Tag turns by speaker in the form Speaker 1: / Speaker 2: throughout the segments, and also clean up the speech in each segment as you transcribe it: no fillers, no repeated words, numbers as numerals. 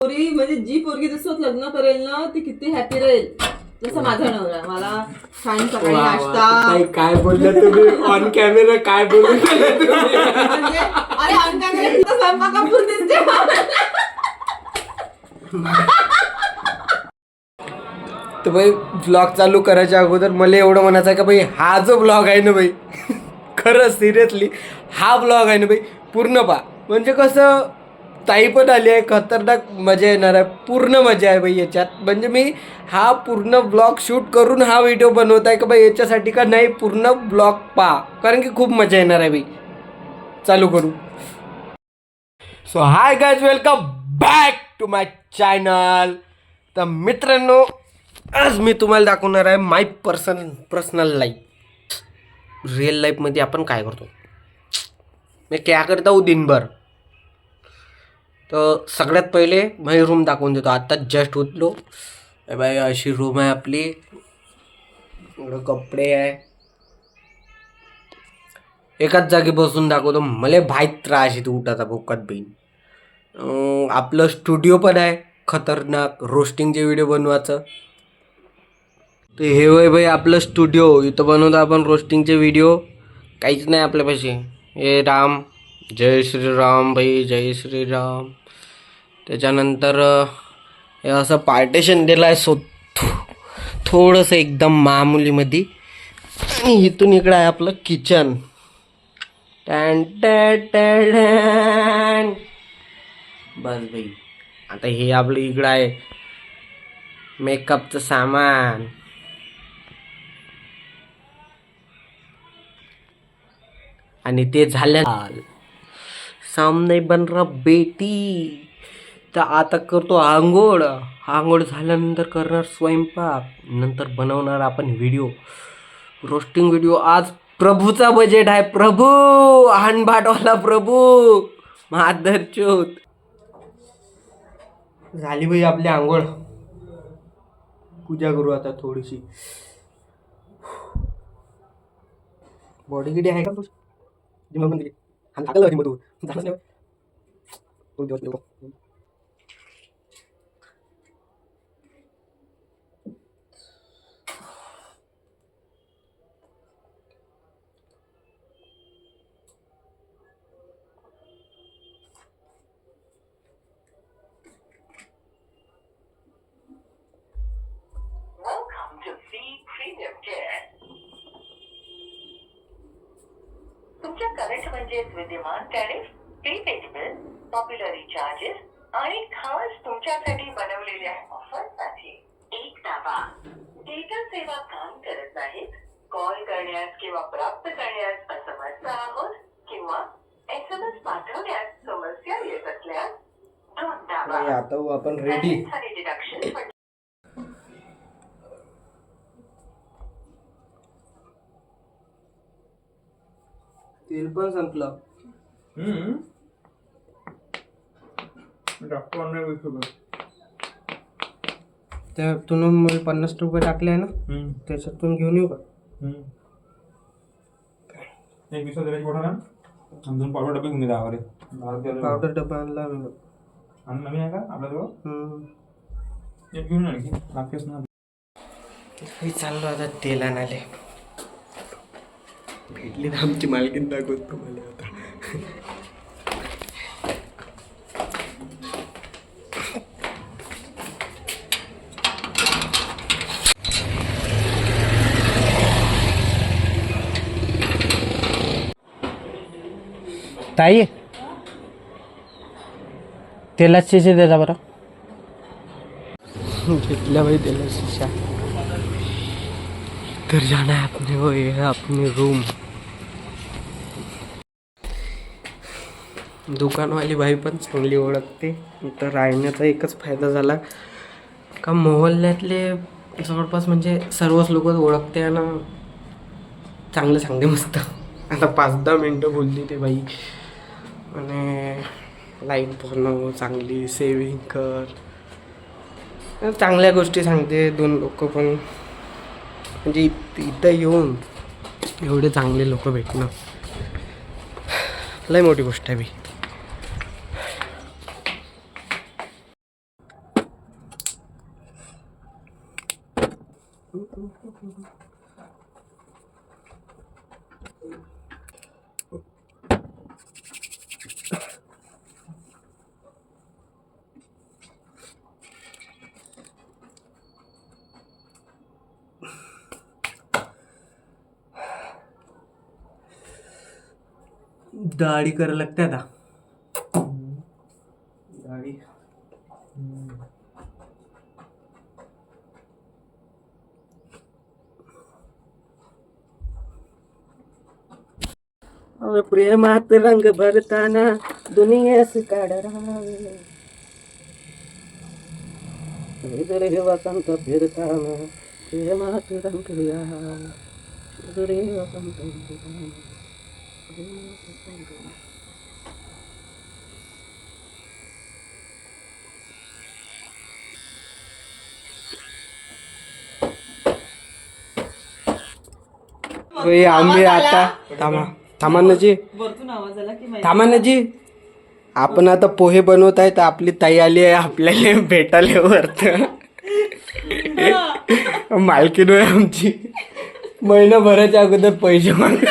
Speaker 1: पोरी म्हणजे जी पोरगी जसं लग्न करेल ना ती किती हॅपी राहील. जसं माझा नवरा मला छान सकाळी नाश्ता.
Speaker 2: काय बोलला तुम्ही ऑन कॅमेरा? काय बोलू
Speaker 1: म्हणजे अरे ऑन कॅमेरा स्वयंपाकापूर दिसते.
Speaker 2: तर भाई ब्लॉग चालू करायच्या अगोदर मला एवढं म्हणायचं आहे का भाई हा जो ब्लॉग आहे ना भाई खरंच सिरियसली हा ब्लॉग आहे ना भाई पूर्ण पहा. म्हणजे कसं ताई पण आली आहे, खतरनाक मजा येणार आहे, पूर्ण मजा आहे भाई याच्यात. म्हणजे मी हा पूर्ण ब्लॉग शूट करून हा व्हिडिओ बनवत आहे का भाई याच्यासाठी का नाही पूर्ण ब्लॉग पहा, कारण की खूप मजा येणार आहे भाई. चालू करू. So hi guys, welcome back to my channel. तर मित्रांनो आज मी तुम्हाला दाखवणार आहे माय पर्सनल लाईफ. रिअल लाईफमध्ये आपण काय करतो, मी क्या करता हूँ दिनभर. तर सगळ्यात पहिले माझी रूम दाखवून देतो. आत्ताच जस्ट उठलो बाई, अशी रूम आहे आपली. इकडं कपडे आहे. एकाच जागी बसून दाखवतो, मला भाईत त्रास येतो उठाचा भोकात बहीण. आपलं स्टुडिओ पण आहे खतरनाक रोस्टिंगचे व्हिडिओ बनवायचं. तर हे वय भाई आपलं स्टुडिओ, इथं बनवतो आपण रोस्टिंगचे व्हिडिओ. काहीच नाही आपल्यापाशी. हे राम, जय श्रीराम भाई, जय श्रीराम. त्याच्यानंतर हे असं पार्टेशन दिलं आहे सो थोडंसं एकदम मामुलीमध्ये. आणि इथून इकडं आहे आपलं किचन. बस भाई. आता हे आपलं इकडं आहे मेकअपचं सामान. आणि ते झालं सामने बन रहा बेटी. तर आता करतो आंघोळ. आंघोळ झाल्यानंतर करणार स्वयंपाक. नंतर बनवणार आपण व्हिडिओ, रोस्टिंग व्हिडिओ. आज प्रभूचा बजेट आहे. प्रभू हानभाटवाला प्रभू मादरचोत. झाली बाई आपली आंघोळ. पूजा करू आता थोडीशी. बॉडी किती आहे का तुझी? जिम पण हम टाकलं जिम तू झालं नाही. 2 दिवस नको.
Speaker 3: तुमच्या करंट म्हणजेच विद्यमान tariff, prepaid bill, popular recharges आणि खास तुमच्यासाठी बनवलेल्या ऑफरसाठी एक दाबा. डेटा सेवा काम करत नाहीत, कॉल करण्यास किंवा प्राप्त करण्यास असमर्थ आहोत किंवा SMS पाठवण्यास समस्या येत असल्यास 2 दाबा.
Speaker 2: आता आपण रेडी.
Speaker 3: डिडक्शन
Speaker 2: तेल पण संपलं. त्यातून मला 50 रुपये टाकले आहे ना, त्याच्यातून घेऊन येऊ का?
Speaker 4: एक विषय दिल्याची मोठा ना दोन पावडर डबे घेऊन दिले आवारे.
Speaker 2: पावडर डबा आणला मी.
Speaker 4: आणि नवीन आहे का आपल्याजवळ? एक घेऊन आणखी लागतेच ना.
Speaker 2: मी चाललो आता तेल आणाले. भेटली ना आमची मालकीन, दाखवतो मला आता. ताई तेलाच शिशी देता बरं. घेतल्या भाई तेला शिशा. तर जाना है अपने वो, ये है अपनी रूम. दुकानवाली बाई पण चांगली ओळखते. तर राहण्याचा एकच फायदा झाला का मोहल्ल्यातले जवळपास म्हणजे सर्वच लोक ओळखते ना, चांगलं सांगते मस्त. आता 5-10 मिनटं बोलली ते बाई. आणि लाईट बनव, चांगली सेविंग कर, चांगल्या गोष्टी सांगते. 2 लोक पण म्हणजे इथं येऊन एवढे चांगले लोक भेटणं लय मोठी गोष्ट आहे. दाढी करायला लागते आता. दाढी प्रेमात रंग भरताना दुनियास काढरावे वसंत फिरताना प्रेमात रंग वसंत आम्ही आता थांबा ना जी,
Speaker 1: वरतून आवाज आला की माहिती
Speaker 2: थांबा ना जी. आपण आता पोहे बनवत आहे तर आपली ताई आली आहे आपल्याला भेटायला वरत. मालकीन आहे आमची. महिनाभराच्या अगोदर पैसे माग.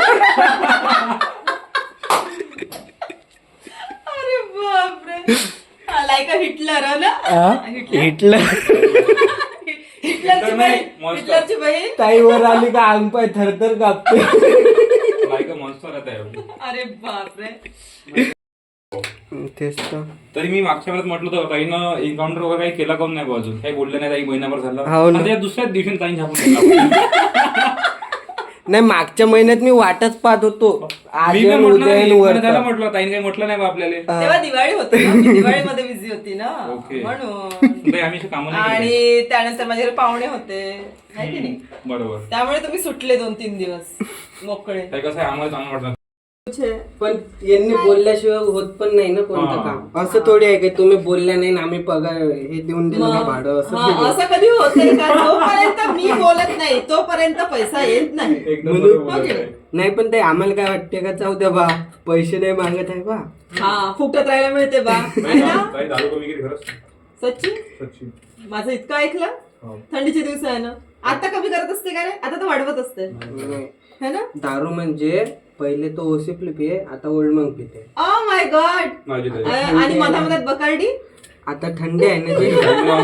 Speaker 1: अरे बापरे, लाईक हिटलर हो ना.
Speaker 2: हिटलर
Speaker 1: हिटलरची बहीण, हिटलरची बहीण.
Speaker 2: ताईवर आली का अंग पाय थरथर कापते.
Speaker 4: लाईक मॉन्स्टर आहे.
Speaker 1: अरे बापरे.
Speaker 2: तेच तर.
Speaker 4: तरी मी मागच्या वेळेस म्हटलं होतं ताईनं एन्काउंटर वगैरे काही केला काऊन नाही बा अजून काही बोललं नाही ताई महिनाभर झाला.
Speaker 2: हो ना.
Speaker 4: आणि त्या दुसऱ्याच दिवशी ताई झापून
Speaker 2: नाही मागच्या महिन्यात मी वाटच पाहत होतो. आज
Speaker 4: मी काय
Speaker 2: येऊन,
Speaker 4: म्हटलं
Speaker 2: उद्या
Speaker 4: नाही,
Speaker 2: येऊन, वर
Speaker 4: महिना झाला
Speaker 2: तर.
Speaker 4: म्हटलं ताईने काही म्हटलं नाही बा आपल्याला.
Speaker 1: तेव्हा दिवाळी होती ना, मी दिवाळीमध्ये बिझी होती ना
Speaker 4: ओके.
Speaker 1: म्हणून.
Speaker 4: ताई आम्ही कामं नाही केली.
Speaker 1: आणि त्यानंतर माझे घरी पाहुणे होते आहे की नाही,
Speaker 4: बरोबर.
Speaker 1: त्यामुळे तुम्ही सुटले 2-3 दिवस मोकळे.
Speaker 4: ताई कसं आहे आम्हाला चांगलं वाटलं.
Speaker 2: पण यांनी बोलल्याशिवाय होत पण नाही ना कोणतं
Speaker 4: हा.
Speaker 2: काम. असं थोडी आहे की तुम्ही बोलल्या नाही ना आम्ही पगार हे देऊन दिलं ना भाडं असं थोडी आहे.
Speaker 1: असं कधी होते का? जोपर्यंत मी बोलत नाही तोपर्यंत पैसा येत नाही.
Speaker 4: एकदम
Speaker 2: म्हणून-
Speaker 4: बरोबर बोलत आहे.
Speaker 2: नाही पण ते आम्हाला काय वाटते का जाऊ द्या बा पैसे नाही मागत आहे बा.
Speaker 1: हा फुकटात राहायला मिळते बा है ना.
Speaker 4: ताई दारू कमी केली खरंच.
Speaker 1: सच्ची
Speaker 4: सच्ची.
Speaker 1: माझं इतकं ऐकलं.
Speaker 4: हो.
Speaker 1: थंडीचे दिवस आहे ना, आता कमी करत असते का रे? आता तर वाढवत असते है ना.
Speaker 2: दारू म्हणजे पहिले तो ओसिपली पिये आता ओल्ड मंग पिते.
Speaker 1: Oh my god.
Speaker 4: माझी ताई.
Speaker 1: आणि मधामधात बकार्डी.
Speaker 2: आता थंडी आहे ना जी.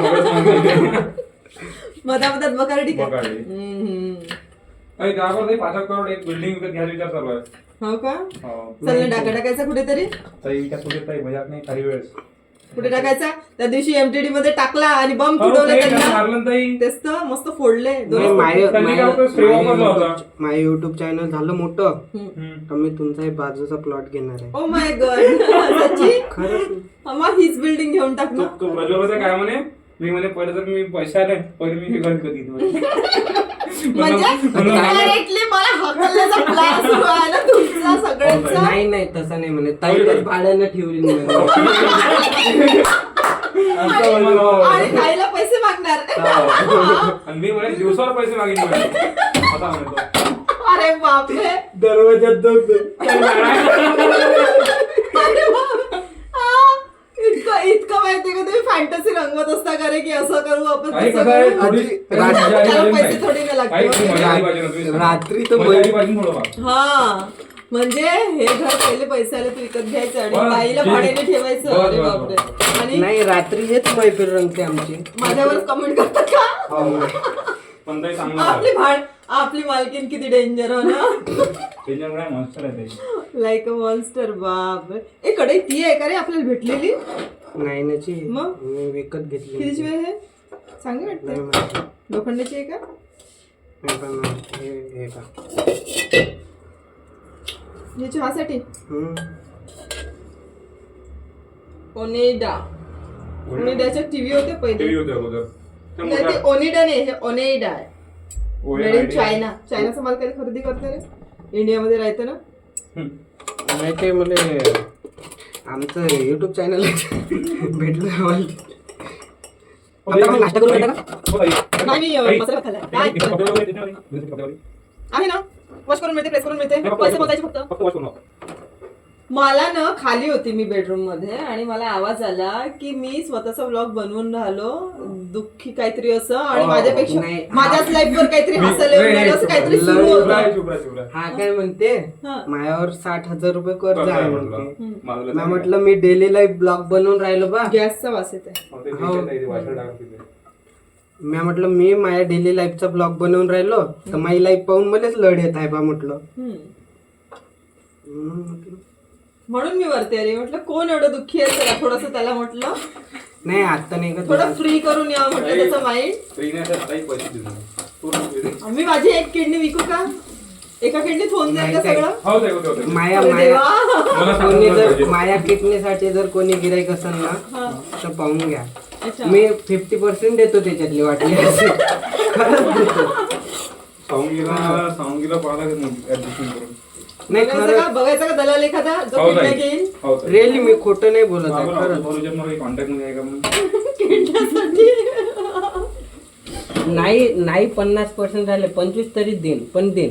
Speaker 1: मधामधात बकार्डी का?
Speaker 4: बकार्डी.
Speaker 1: हम्म.
Speaker 4: ताई त्यावर ताई 5 करोड एक बिल्डिंग विकत घ्यायचा विचार चालू आहे.
Speaker 1: हो का?
Speaker 4: हो.
Speaker 1: चल ना टाकायचा कुठेतरी.
Speaker 4: ताई त्या कुठे ताई बजात नाही काही वेळेस.
Speaker 1: कुठे टाकायचा? त्या दिवशी एमटीडी मध्ये टाकला आणि बम
Speaker 4: हो,
Speaker 1: फुटवले
Speaker 4: ते
Speaker 1: त्यांना.
Speaker 4: मारलं ना ताई.
Speaker 1: तेच तर मस्त फोडले
Speaker 2: नाही,
Speaker 1: दोन.
Speaker 4: त्यांनी काय होतं, स्प्रे वापरला होता.
Speaker 2: माझं युट्यूब चॅनल झालं मोठं
Speaker 1: हम्म.
Speaker 2: तर मी तुमचा एक बाजूचा प्लॉट घेणार आहे.
Speaker 1: Oh my god. सच्ची
Speaker 2: खरंच
Speaker 1: मग हीच बिल्डिंग घेऊन टाक ना.
Speaker 4: तो प्रज्वलचं काय म्हणे मी म्हणे पहिले तर मी पैसे आले पहिले मी हे घर कधी
Speaker 1: म्हणजे directly मला हकलण्याचा प्लॅन सुरू आहे ना तुमचा सगळ्यांचा.
Speaker 2: नाही नाही तसं नाही म्हणे ताईलाच भाड्यानं ठेवली नाही म्हणे.
Speaker 1: आणि ताईला पैसे मागणार.
Speaker 4: आणि मी म्हणे दिवसावर पैसे मागितले म्हणे. असा म्हणतो.
Speaker 1: अरे बापरे.
Speaker 2: दरवाजात जाऊ.
Speaker 1: अरे बाप. इतकं माहितीये का तुम्ही फॅन्टसी रंगवत असता का रे की असं करू आपण
Speaker 4: काही
Speaker 1: तसं
Speaker 4: कसं आहे,
Speaker 1: करू?
Speaker 4: थोडी-
Speaker 1: त्याला पैसे थोडी नाही लागते.
Speaker 4: काही मजा आली पाहिजे ना तुम्ही.
Speaker 2: रात्री तर
Speaker 4: मजा आली पाहिजे थोडं फार.
Speaker 1: हा म्हणजे हे घर पहिले पैसे आले तू विकत घ्यायचं आणि
Speaker 4: बस,
Speaker 1: ताईला
Speaker 4: ठीक.
Speaker 1: भाड्याने ठेवायचं.
Speaker 4: बस,
Speaker 1: अरे
Speaker 4: बस,
Speaker 1: बापरे.
Speaker 4: बस.
Speaker 1: आणि
Speaker 2: नाही रात्री हेच मैफिल रंगते आमची.
Speaker 1: माझ्यावर कमेंट करतात का?
Speaker 4: पण ताई चांगलं
Speaker 1: आपली मालकीन किती डेंजर हो ना.
Speaker 4: त्याच्यामुळे मस्त आहे ताई.
Speaker 1: Like a monster. बाप ए कडे ती आहे का रे आपल्याला भेटलेली?
Speaker 2: नाही ना जी
Speaker 1: मग?
Speaker 2: मी विकत घेतली.
Speaker 1: कितीची वेळ हे चांगली
Speaker 2: नाही
Speaker 1: वाटते.
Speaker 2: माहिती.
Speaker 1: लोखंडाची आहे का?
Speaker 2: नाही पण हे का
Speaker 1: हे चहासाठी.
Speaker 2: हम्म.
Speaker 1: ओनेडाच्या टीव्ही होते पहिले.
Speaker 4: टीव्ही होते अगोदर. ते
Speaker 1: नाही, ते
Speaker 4: मोठा-
Speaker 1: ओनिडा नाही, हे ओनेडा आहे. Made in
Speaker 4: ONIDA.
Speaker 1: चायना. चायनाचा माल कधी खरेदी करते रे? इंडियामध्ये राहते ना.
Speaker 4: हम्म.
Speaker 2: नाही ते मला आमचं युट्यूब चॅनल भेटलं आम्हाला. आता आपण नाश्ता करू शकता का?
Speaker 4: हो ताई.
Speaker 1: नाही, मी
Speaker 4: ताई.
Speaker 1: मसाला खाल्लाय.
Speaker 4: ताई,
Speaker 1: काय?
Speaker 4: कपडे वगैरे देते ना ताई?
Speaker 1: आहे ना, वॉश करून मिळते, प्रेस करून मिळते, पैसे मोजायचे फक्त.
Speaker 4: फक्त वॉश करून लावा.
Speaker 1: मला ना खाली होती मी बेडरूम मध्ये आणि मला आवाज आला की मी स्वतःचा व्लॉग बनवून राहिलो दुःखी काहीतरी असं आणि माझ्यापेक्षा
Speaker 2: नाही.
Speaker 1: माझ्याच लाईफ वर काहीतरी हसायला येऊन राहिलं असं काहीतरी सुरू होतं.
Speaker 4: चुप राहा.
Speaker 2: हा काय म्हणते
Speaker 1: हा.
Speaker 2: माझ्यावर 60,000 रुपये कर्ज आहे म्हणते
Speaker 4: मला
Speaker 2: मी म्हटलं मी डेली लाईफ ब्लॉग बनवून राहिलो बा
Speaker 1: गॅसचा वास येत आहे.
Speaker 2: मी म्हटलं मी माझ्या डेली लाईफचा ब्लॉग बनवून राहिलो तर माझी लाईफ पाहून मलाच लढ येत आहे बा म्हटलं
Speaker 1: म्हणून मी वरती आली म्हटलं कोण एवढं दुःखी आहे चला थोडस त्याला म्हटलं
Speaker 2: नाही आता नाही का
Speaker 1: थोडं फ्री करून यावं म्हटलं त्याचं माइंड. मी माझी एक किडनी विकू का एका किडनीत होऊन जाईल का
Speaker 2: नाही,
Speaker 1: सगळं
Speaker 2: माया
Speaker 1: अरे
Speaker 2: माया
Speaker 1: देवा.
Speaker 2: कोणी जर माया किडनीसाठी जर कोणी गिराईक असेल ना
Speaker 1: हा.
Speaker 2: तर पाहून घ्या
Speaker 1: अच्छा.
Speaker 2: मी 50% देतो त्याच्यातली वाटली असेल. खरंच देतो नाही खरं
Speaker 1: बघायचं का दलाल एखादा जो किडनी घेईल
Speaker 2: रिअली मी खोटं नाही बोलत आहे खरंच
Speaker 4: कॉन्टॅक्ट मध्ये आहे का म्हणून
Speaker 1: किडण्यासाठी.
Speaker 2: नाही 50% झाले 25 तरी देईन पण देईन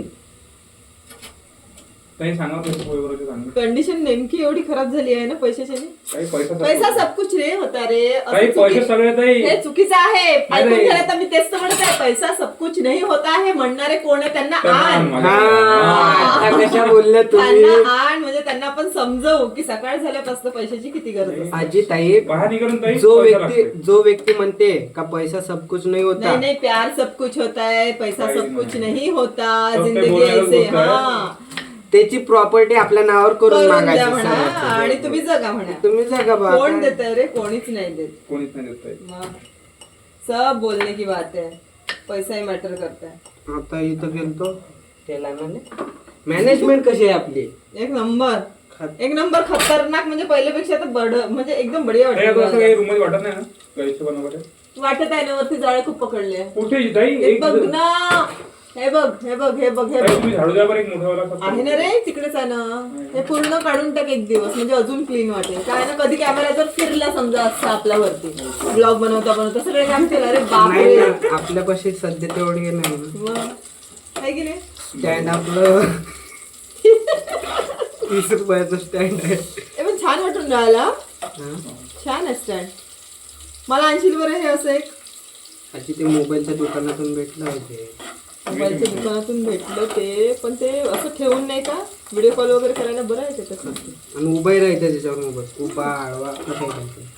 Speaker 4: काही सांगा पैसे सांगा
Speaker 1: कंडिशन नेमकी एवढी खराब झाली आहे ना पैशाची
Speaker 4: काही पैसा
Speaker 1: पैसा सब कुछ रे होता रे असं
Speaker 4: काही पैसे सगळे ताई
Speaker 1: हे चुकीचं आहे ऐकून
Speaker 4: नाही.
Speaker 1: घ्या तर मी तेच तर म्हणत आहे पैसा सब कुछ नाही होता आहे म्हणणारे कोण आहे त्यांना आण
Speaker 2: हा आता कशा बोलल्या तुम्ही
Speaker 1: त्यांना आण म्हणजे त्यांना आपण समजवू की सकाळ झाल्यापासून पैशाची किती गरज असते.
Speaker 2: आजी ताई
Speaker 4: बाहेर निघून ताई
Speaker 2: जो व्यक्ती म्हणते का पैसा सब कुछ नहीं होता
Speaker 1: नहीं नहीं प्यार सब कुछ होता है पैसा
Speaker 4: काही
Speaker 1: सब कुछ
Speaker 4: नाही.
Speaker 1: नहीं होता
Speaker 4: सब ते
Speaker 1: जिंदगी
Speaker 4: बोलायला
Speaker 1: ऐसे
Speaker 4: गोष्ट आहे.
Speaker 1: हा
Speaker 2: त्याची प्रॉपर्टी आपल्या नावावर करून
Speaker 1: करून द्या
Speaker 2: मागायची
Speaker 1: म्हणा
Speaker 2: सर्वात.
Speaker 1: आणि तुम्ही जगा म्हणा
Speaker 2: तुम्ही जगा बा
Speaker 1: कोण देत रे कोणीच नाही देत
Speaker 4: कोणीच नाही देत ताई.
Speaker 1: मग सब बोलने की बात है पैसा ही मॅटर करता है.
Speaker 2: आता इथं गेलतो त्याला मॅनेजमेंट कशी आहे आपली
Speaker 1: एक नंबर खतरनाक म्हणजे पहिल्यापेक्षा तर बड म्हणजे एकदम बढिया
Speaker 4: ताई, आता असं
Speaker 1: वाटत
Speaker 4: काही रूम मध्ये वाटत नाही ना काही हिशोबानं वगैरे
Speaker 1: वाटत आहे ना वरती जाळे खूप पकडले
Speaker 4: कुठे ताई
Speaker 1: हे
Speaker 4: एक
Speaker 1: बघ ना हे बघ हे बघ हे बघ हे
Speaker 4: ताई,
Speaker 1: बघ
Speaker 4: तुम्ही झाडू द्या बरं एक मोठा वाला
Speaker 1: आहे ना रे तिकडेच आहे ना हे पूर्ण काढून टाक एक दिवस म्हणजे अजून क्लीन वाटेल काय ना कधी कॅमेरा जर फिरला समजा असता आपल्या वरती ब्लॉग बनवता सगळे काम केलं अरे
Speaker 2: नाही
Speaker 1: बापरे
Speaker 2: ना आपल्यापाशी सध्या तेवढी नाही
Speaker 1: मग आहे की नाही
Speaker 2: स्टँड आपलं 30 रुपयाचं स्टँड आहे
Speaker 1: हे पण छान वाटून राहिला
Speaker 2: हा?
Speaker 1: छान आहे स्टँड मला आणशील बरं हे असं एक
Speaker 2: आजी ते मोबाईलच्या दुकानातून भेटलं होते
Speaker 1: मोबाईलच्या दुकानातून भेटलं ते पण ते असं ठेवून नाही का व्हिडिओ कॉल वगैरे करायला बरं आहे ते तसं
Speaker 2: आणि उभाही राहायचं त्याच्यावर मोबाईल उभा आडवा असं राहायचं.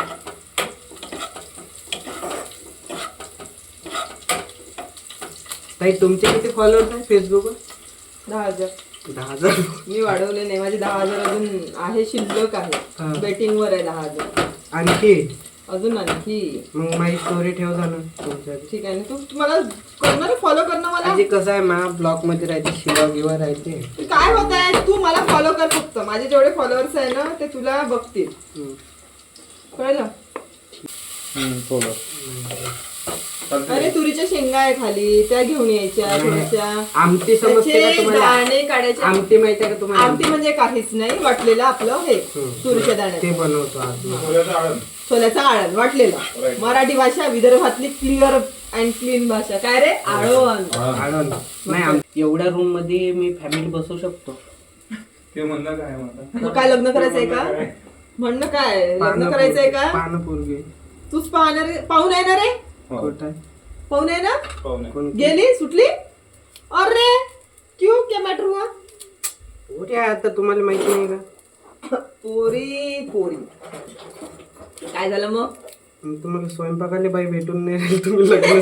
Speaker 2: ताई तुमचे किती फॉलोअर्स आहे फेसबुकवर
Speaker 1: 10,000
Speaker 2: 10,000
Speaker 1: मी वाढवले नाही माझे 10,000 अजून आहे शिल्लक
Speaker 2: हा.
Speaker 1: आहे बेटिंग वर आहे 10,000
Speaker 2: आणखी
Speaker 1: अजून आणखी
Speaker 2: मग माझी स्टोरी ठेव जा ना तुमच्या
Speaker 1: ठीक आहे ना तू मला करणार फॉलो करणं मला
Speaker 2: आजी कसं आहे मा ब्लॉग मध्ये राहते शिवा गिवा राहते
Speaker 1: काय होत आहे तू मला फॉलो कर फक्त माझे जेवढे फॉलोअर्स आहे ना ते तुला बघतील
Speaker 2: हम्म.
Speaker 1: कळलं
Speaker 4: थोडं
Speaker 1: अरे तुरीच्या शेंगा आहे खाली त्या घेऊन यायच्या थोड्याशा
Speaker 2: आमटी समजते का
Speaker 1: त्याचे
Speaker 2: तुम्हाला
Speaker 1: दाणे काढायचे
Speaker 2: आमटी माहिती आहे का तुम्हाला
Speaker 1: आमटी म्हणजे काहीच नाही वाटलेलं आपलं हे तुरीच्या
Speaker 2: ते
Speaker 1: दाण्याचं
Speaker 2: बनवतो आज
Speaker 4: थोड्याचं आळण
Speaker 1: सोल्याचा आळण वाटलेला
Speaker 4: Right.
Speaker 1: मराठी भाषा विदर्भातली क्लिअर अँड क्लीन भाषा काय रे आळण
Speaker 2: आळण नाही एवढ्या रूम मध्ये मी फॅमिली बसवू शकतो
Speaker 4: ते म्हणलं काय म्हणता
Speaker 1: मग काय लग्न करायचंय का म्हणणं काय लग्न करायचंय का
Speaker 2: पानपूर्वी
Speaker 1: तूच पाहणार पाहून आहे ना रे
Speaker 2: कुठं आहे?
Speaker 1: पाहून आहे ना
Speaker 4: पाहुणे
Speaker 2: कोण
Speaker 1: गेली सुटली अरे क्यों क्या मॅटर हुआ
Speaker 2: पोरी आहे आता तुम्हाला माहिती नाही का
Speaker 1: पोरी पोरी काय झालं मग
Speaker 2: मग तुम्हाला स्वयंपाकाला बाई भेटून नाही राहिली तुम्ही लग्न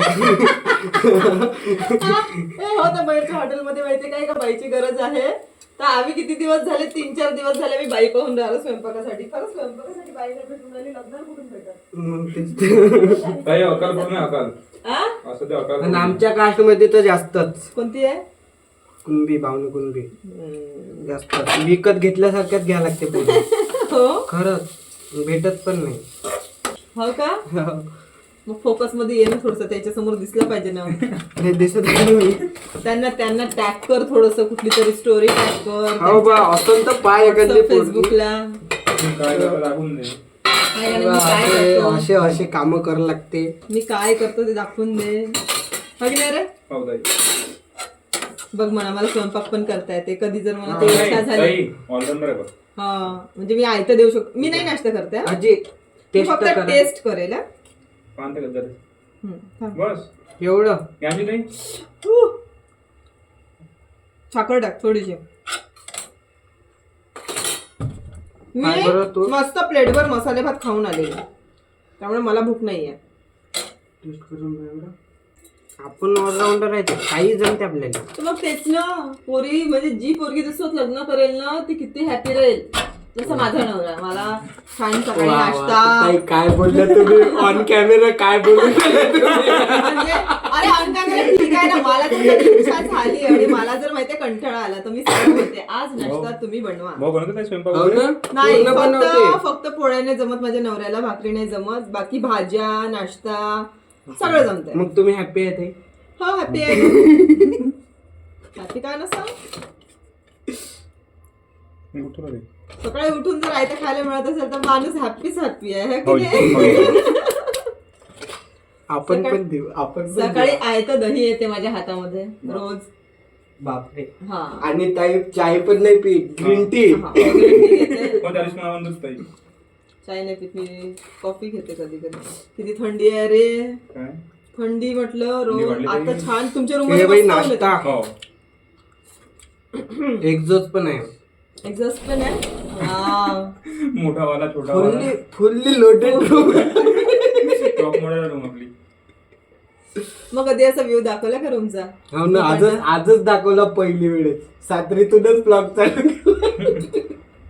Speaker 1: हो तर बाहेरच्या हॉटेलमध्ये माहिती काय का बाईची गरज आहे तर आम्ही किती दिवस झाले 3-4 दिवस झाले मी बाई पाहून राहिलो स्वयंपाकासाठी खरंच स्वयंपाकासाठी बाई नाही भेटून राहिली लग्नाला कुठून भेटत
Speaker 2: मग तेच
Speaker 4: ताई अकाल पूर्ण अकाल
Speaker 1: आ?
Speaker 4: असं ते अकाल
Speaker 2: आणि आमच्या कास्ट मध्ये तर जास्तच
Speaker 1: कोणती आहे
Speaker 2: कुणबी भावनी कुणबी जास्त विकत घेतल्यासारख्याच घ्या लागते पुढे
Speaker 1: हो
Speaker 2: खरंच भेटत पण नाही
Speaker 1: हो का मग फोकस मध्ये ये ना थोडस त्याच्या समोर दिसलं पाहिजे ना
Speaker 2: हे दिसत आहे मी.
Speaker 1: त्यांना टॅग कर थोडस कुठली तरी स्टोरी टॅग कर
Speaker 2: हो बा असं तर पाय एखादी पोरगी.
Speaker 1: फेसबुकला
Speaker 4: काय करता दाखवून दे
Speaker 2: असे असे काम करावं लागते
Speaker 1: मी काय करतो ते दाखवून दे हो की नाही रे
Speaker 4: हो ताई
Speaker 1: बघ म्हणा मला स्वयंपाक पण करता येते कधी जर मला ते इच्छा झाली
Speaker 4: ताई ऑलराऊंडर आहे बघ
Speaker 1: हा म्हणजे मी आयतं देऊ शकतो. मी नाही नाश्ता करते हा.
Speaker 2: आजी
Speaker 1: मी
Speaker 2: टेस्ट
Speaker 1: फक्त
Speaker 2: करा
Speaker 1: टेस्ट करेल हा.
Speaker 4: पान तर जरा.
Speaker 1: थांब.
Speaker 4: बस
Speaker 2: एवढं
Speaker 4: याची नाही
Speaker 1: साखर टाक थोडीशी. मी
Speaker 2: काय बरं तू?
Speaker 1: मस्त प्लेटवर मसाले भात खाऊन आलेले त्यामुळे मला भूक नाहीये.
Speaker 2: टेस्ट करून बघ एवढं. आपण ऑलराऊंडर आहे काही जमते आपल्याला.
Speaker 1: तर मग तेच ना पोरी म्हणजे जी पोरगी दुसरं लग्न करेल ना ती किती हॅपी राहील. जसं माझा नवरा मला छान सकाळी
Speaker 2: वा, वा.
Speaker 1: नाश्ता
Speaker 2: ताई, काय बोलल्या तुम्ही ऑन कॅमेरा काय बोलू
Speaker 1: म्हणजे अरे अंगाकडे ठीक आहे ना. मला तर कधी इच्छा झाली आणि मला जर माहितीये कंटाळा आला तर मी सरळ बोलते आज नाश्ता तुम्ही बनवा.
Speaker 4: भाऊ बनवतो काय स्वयंपाक
Speaker 2: हो
Speaker 4: वगैरे?
Speaker 2: ना
Speaker 1: नाही
Speaker 2: पूर्ण बनवते.
Speaker 1: फक्त पोळ्या नाही जमत माझ्या नवऱ्याला, भाकरी नाही जमत, बाकी भाज्या नाश्ता सगळं जमतंय.
Speaker 2: मग तुम्ही हॅपी आहे ताई?
Speaker 1: हो हॅपी आहे. हॅपी काय नसतं.
Speaker 4: मी उठलो रे.
Speaker 1: सकाळी उठून जर आयतं खायला मिळत असेल तर माणूस हॅपीच हॅपी आहे है की
Speaker 4: हो,
Speaker 1: नाही?
Speaker 4: हो.
Speaker 2: आपण पण देऊ आपण पण
Speaker 1: सकाळी
Speaker 2: देऊ.
Speaker 1: आयतं दही येते माझ्या हातामध्ये रोज.
Speaker 2: बापरे.
Speaker 1: हा
Speaker 2: आणि ताई चाय पण नाही पीत ग्रीन टी.
Speaker 1: हा, green tea घेते.
Speaker 4: हो, त्या दिवशी मला म्हणत होती ताई.
Speaker 1: चाय नाही पित मी, कॉफी घेते कधी कधी. किती थंडी आहे रे.
Speaker 4: काय
Speaker 1: थंडी म्हटलं
Speaker 4: थंडी
Speaker 1: रोज.
Speaker 4: वाढली
Speaker 1: आता
Speaker 4: तरी.
Speaker 1: छान तुमच्या रूम
Speaker 2: हे बाई नाश्ता
Speaker 4: हो
Speaker 2: एक्झॉस्ट पण आहे.
Speaker 1: एक्झॉस्ट पण आहे. हा.
Speaker 4: मोठा वाला छोटा वाला
Speaker 2: fully loaded room.
Speaker 4: Top model room आपली.
Speaker 1: मग कधी असा व्ह्यू दाखवला का रूमचा?
Speaker 2: हो ना आजच दाखवला पहिली वेळेस. सातरीतूनच ब्लॉग चालू केला.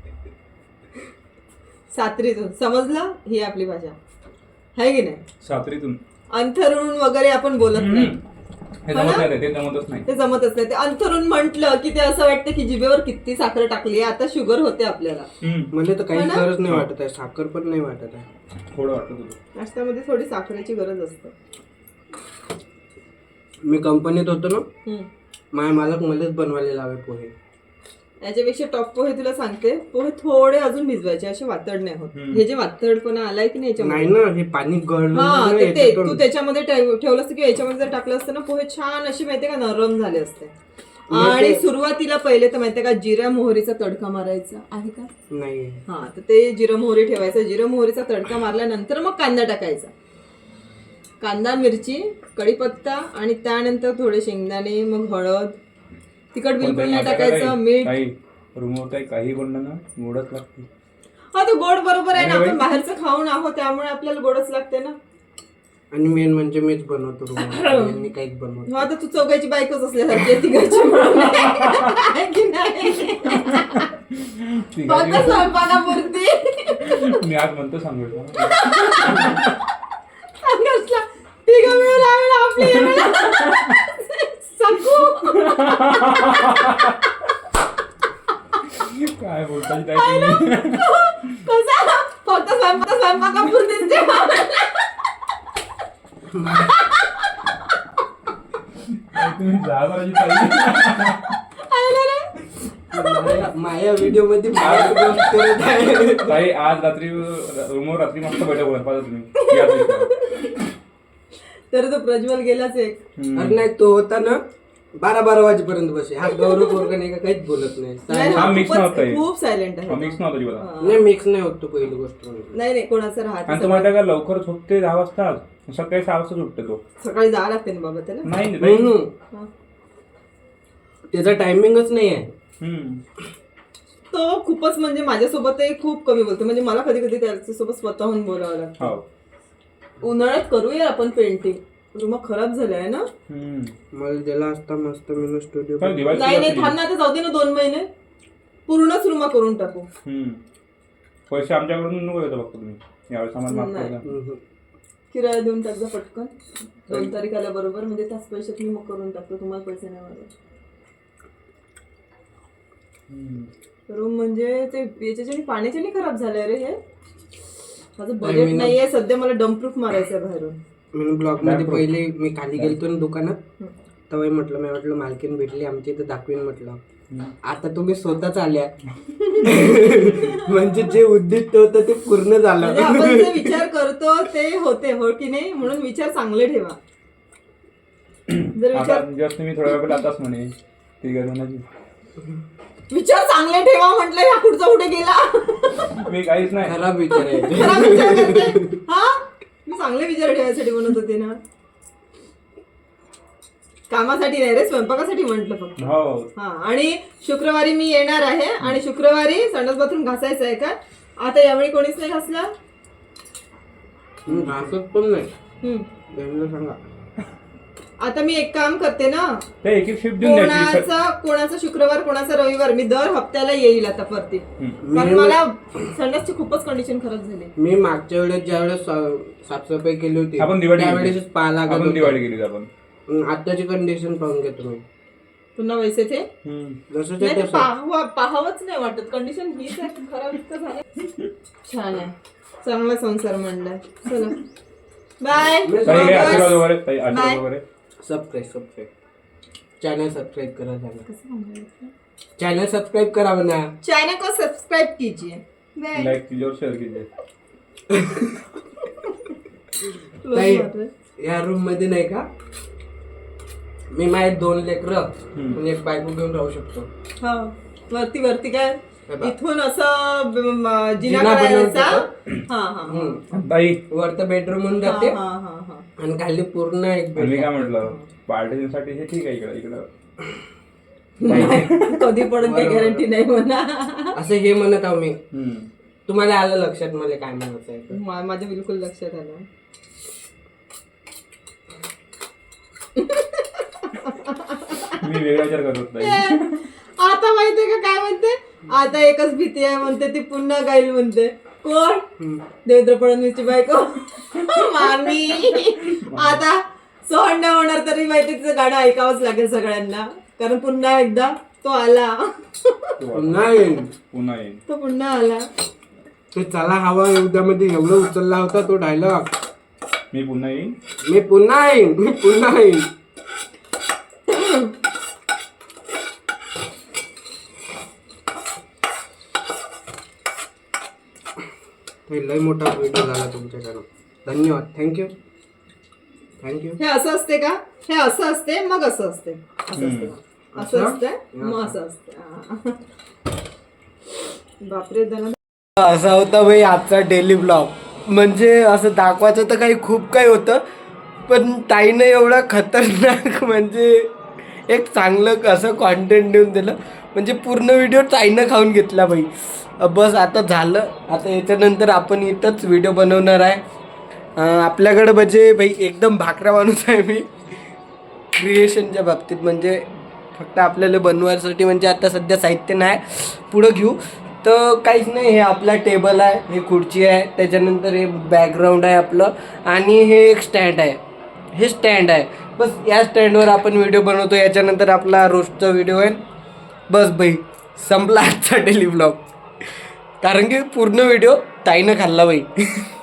Speaker 1: सातरीतून समजलं ही आपली भाषा आहे की नाही.
Speaker 4: सातरीतून
Speaker 1: अंथरुण वगैरे आपण बोलत नाही.
Speaker 4: हे जमत नाही रे, ते जमतच नाही.
Speaker 1: ते जमतच नाही. ते अंथरुण म्हटलं की ते असं वाटतं की जिभेवर किती साखर टाकली. आता शुगर होते आपल्याला.
Speaker 2: मला तर काहीच
Speaker 1: हो ना?
Speaker 2: गरज नाही वाटत आहे. साखर पण नाही वाटत आहे.
Speaker 4: थोडं वाटतं तुझं.
Speaker 1: नाश्त्यामध्ये थोडी साखरेची गरज असते.
Speaker 2: मी कंपनीत होतो ना
Speaker 1: हम्म.
Speaker 2: माझ्या मालक मलाच बनवायला लावे पोहे.
Speaker 1: याच्यापेक्षा टॉप पोहे तुला सांगते, पोहे थोडे अजून भिजवायचे असे वातड नाही होत. हे जे वातडपणा आलाय की नाही
Speaker 2: नाही
Speaker 1: याच्यामध्ये,
Speaker 2: ना हे पाणी गळलं
Speaker 1: हा
Speaker 2: ना
Speaker 1: ते
Speaker 2: याच्यातून.
Speaker 1: तू त्याच्यामध्ये ठेवलं असतं की याच्यामध्ये जर टाकलं असतं ना पोहे छान अशी माहितीये का नरम झाले असते. आणि सुरुवातीला पहिले तर माहितीये का जिऱ्या मोहरीचा तडका मारायचा आहे का?
Speaker 2: नाही
Speaker 1: हा तर ते जिरं मोहरी ठेवायचं. जिरं मोहरीचा तडका मारल्यानंतर मग कांदा टाकायचा. कांदा मिरची कढीपत्ता आणि त्यानंतर थोडे शेंगदाणे, मग हळद, तिखट बिलकुल नाही टाकायचं, मीठ.
Speaker 4: काही रूमवर काही काही बनलं ना गोडच लागते.
Speaker 1: हा तर गोड बरोबर आहे ना. आपण बाहेरचं खाऊन आहोत त्यामुळे आपल्याला गोडच लागते ना.
Speaker 2: आणि मेन म्हणजे मीच बनवतो रूम काहीच बनवतो.
Speaker 1: हा तर तू चौघाची बायकोच असल्यासारखी आहे तिघाची म्हणून. आहे की नाही? फक्त स्वयंपाकापुरती
Speaker 4: मी आज म्हणतो सांगितलं
Speaker 1: सांगितलं. तिघं मिळून आम्ही आपली सकू.
Speaker 4: काय बोलताय काय तुम्ही?
Speaker 1: कसा फक्त स्वयंपाकापुरतीच जेवण.
Speaker 4: काय तुम्ही जा करायची ताई.
Speaker 2: माझ्या व्हिडिओ मध्ये बाहेर करत आहे.
Speaker 4: ताई आज रात्री रूमवर रात्री मस्त बैठक होणार पाहिजे तुम्ही या दिवशी.
Speaker 1: तर तो प्रज्वल गेलाच एक.
Speaker 2: अरे नाही तो होता ना 12 वाजेपर्यंत बसे. हा गौरव पोरगा नाही का काहीच बोलत नाही.
Speaker 1: नाही,
Speaker 4: हा mix
Speaker 1: खूपच-
Speaker 4: नव्हता हे.
Speaker 1: खूप सायलेंट आहे.
Speaker 4: मिक्स नव्हता अजिबात.
Speaker 1: हा.
Speaker 2: नाही मिक्स नाही होत तो पहिली गोष्ट म्हणजे.
Speaker 1: नाही नाही कोणाचं
Speaker 4: आणि
Speaker 1: राहत
Speaker 4: तो माहिती का लवकर झोपते 10 वाजता. सकाळी 6 वाजता झोपते तो.
Speaker 1: सकाळी जावं लागते ना बाबा त्याला.
Speaker 4: नाही ताई.
Speaker 1: हा.
Speaker 2: त्याचा टायमिंगच नाही आहे.
Speaker 1: तो खूपच म्हणजे माझ्यासोबतही खूप कमी बोलतो. म्हणजे मला कधी कधी त्याच्यासोबत स्वतःहून बोलावं लागतं.
Speaker 4: हो.
Speaker 1: उन्हाळ्यात करूया आपण पेंटिंग. रूम खराब झालाय ना.
Speaker 2: मला दिला असता मस्त मी स्टुडिओ.
Speaker 4: पण दिवाळी
Speaker 1: नाही नाही थांब ना आता जाऊ दे ना 2 महिने. पूर्णच रूम करून टाकू.
Speaker 4: पैसे आमच्याकडून नको येतो फक्त तुम्ही यावेळेस आम्हाला माफ करा.
Speaker 1: किराया देऊन टाक जा पटकन. 2 तारीख आल्या बरोबर म्हणजे त्याच पैशात मी मग करून टाकतो. तुम्हाला पैसे नाही मागत. रूम म्हणजे ते याच्याने पाण्याच्याने खराब झालंय रे हे. माझं बजेट नाहीये सध्या. मला डम्प्रूफ मारायचं आहे बाहेरून.
Speaker 2: मी ब्लॉग मध्ये पहिले मी खाली गेलतो ना दुकानात तेव्हा म्हटलं मी म्हटलं मालकीन भेटली आमच्या इथं दाखवीन म्हटलं. आता तुम्ही स्वतःच आल्या म्हणजे जे उद्दिष्ट होतं ते पूर्ण झालं.
Speaker 1: म्हणजे आपण जे विचार करतो ते होते हो की नाही. म्हणून विचार चांगले ठेवा. जर
Speaker 4: आता
Speaker 1: विचार
Speaker 4: जस्ट मी थोड्या वेळ आताच म्हणे ती गरज
Speaker 1: विचार चांगले ठेवा म्हटलं, ह्या कुठचा कुठे गेला.
Speaker 4: मी काहीच नाही.
Speaker 2: खराब विचार आहे
Speaker 1: खराब विचार करते. हा, मी चांगले विचार ठेवायसाठी म्हणत होते ना. कामासाठी नाही रे, स्वयंपाकासाठी म्हटलं फक्त.
Speaker 4: हो.
Speaker 1: हा, आणि शुक्रवारी मी येणार आहे आणि शुक्रवारी संडास बाथरूम घासायचं आहे का. आता यावेळी कोणीच नाही घासला.
Speaker 2: घासत पण नाही.
Speaker 1: हम्म.
Speaker 2: सांगा.
Speaker 1: आता मी एक काम करते ना,
Speaker 4: ते एक शिफ्ट देऊन द्यायची.
Speaker 1: कोणाचा शुक्रवार कोणाचा रविवार, मी दर हप्त्याला येईल आता परत. कारण मला संडासची खूपच कंडिशन खराब झाली.
Speaker 2: मी मागच्या वेळेस ज्यावेळेस साफसफाई केली होती
Speaker 4: आपण दिवाळी
Speaker 2: त्यावेळेस पाहायला लागत
Speaker 4: आपण
Speaker 2: होतं.
Speaker 4: दिवाळी केली आपण.
Speaker 2: आताची कंडिशन पाहून घ्या तुम्ही.
Speaker 1: पुन्हा वैसे ते
Speaker 2: जसं
Speaker 1: नाही ते
Speaker 2: तसं.
Speaker 1: पाहावंच नाही वाटत. कंडिशन हीच आहे, खराब इतकं झालं. छान आहे, चांगला संसार मांडलाय. चला बाय.
Speaker 4: ताई हे आशीर्वाद वगैरे, ताई आशीर्वाद
Speaker 1: बाय.
Speaker 4: वगैरे.
Speaker 2: सबस्क्राईब चॅनल सबस्क्राईब करा. चॅनल सबस्क्राईब करा म्हणा.
Speaker 1: चैनल को सब्सक्राइब कीजिए. बाय.
Speaker 4: लाईक कीजिए और शेअर कीजिए.
Speaker 2: ताई, या रूम मध्ये नाही का मी माझे 2 लेकरं आणि एक बायको घेऊन राहू शकतो.
Speaker 1: हा, वरती काय इथून असं जिना
Speaker 2: जिना
Speaker 1: करायचा.
Speaker 2: बनवून
Speaker 1: हा हा
Speaker 4: ताई
Speaker 2: वरतं बेडरूम म्हणून जाते
Speaker 1: हा हा हा.
Speaker 2: आणि खाली पूर्ण एक
Speaker 4: मी
Speaker 2: बेड.
Speaker 4: काय म्हटलं, पार्टीसाठी हे ठीक आहे. इकडं
Speaker 1: कधी पडून काही गॅरंटी नाही म्हणा.
Speaker 2: असं हे म्हणत आहो मी. तुम्हाला आलं लक्षात मला काय म्हणायचं आहे ते?
Speaker 1: माझ्या बिलकुल लक्षात आलं.
Speaker 4: मी वेगळा विचार करत होतो ताई.
Speaker 1: आता माहितीये का काय म्हणते. आता एकच भीती आहे म्हणते, ती पुन्हा गाईल म्हणते. कोण? देवेंद्र फडणवीसची बायको मामी. आता सहन नाही होणार तरी माहिती तिचं गाणं ऐकावंच लागेल सगळ्यांना, कारण पुन्हा एकदा तो आला.
Speaker 2: पुन्हा येईल.
Speaker 4: पुन्हा येईल.
Speaker 1: तो पुन्हा आला.
Speaker 2: ते चला हवा युद्धामध्ये एवढं उचलला होता तो डायलॉग.
Speaker 4: मी पुन्हा येईन.
Speaker 2: मी पुन्हा येईन. मी पुन्हा येईन. लय मोठा व्हिडिओ झाला तुमच्याकडून. धन्यवाद. थँक्यू.
Speaker 1: हे असं असते का. हे असं असते मग असं असते. असं असते असं असतं मग असं असतं. बापरे धना.
Speaker 2: असा होता भाई आजचा डेली ब्लॉग. म्हणजे असं दाखवायचं तर काही काही होतं, पण ताईनं एवढा खतरनाक म्हणजे एक चांगलं असं कॉन्टेंट देऊन दिलं. म्हणजे पूर्ण व्हिडिओ ताईनं खाऊन घेतला भाई. बस आता झालं. आता याच्यानंतर आपण इथंच व्हिडिओ बनवणार आहे. आपल्याकडं म्हणजे भाई एकदम भाकरा माणूस आहे मी क्रिएशनच्या बाबतीत. म्हणजे फक्त आपल्याला बनवायसाठी म्हणजे आता सध्या साहित्य नाही, पुढं घेऊ तर काहीच नाही. हे आपला टेबल आहे, हे खुर्ची आहे, त्याच्यानंतर हे बॅकग्राऊंड आहे आपलं, आणि हे एक स्टँड आहे. हे स्टँड आहे. बस या स्टँडवर आपण व्हिडिओ बनवतो. याच्यानंतर आपला रोजचा व्हिडिओ आहे. बस भाई संपला आजचा डेली ब्लॉग. कारण की पूर्ण व्हिडिओ ताईनं खाल्ला बाई.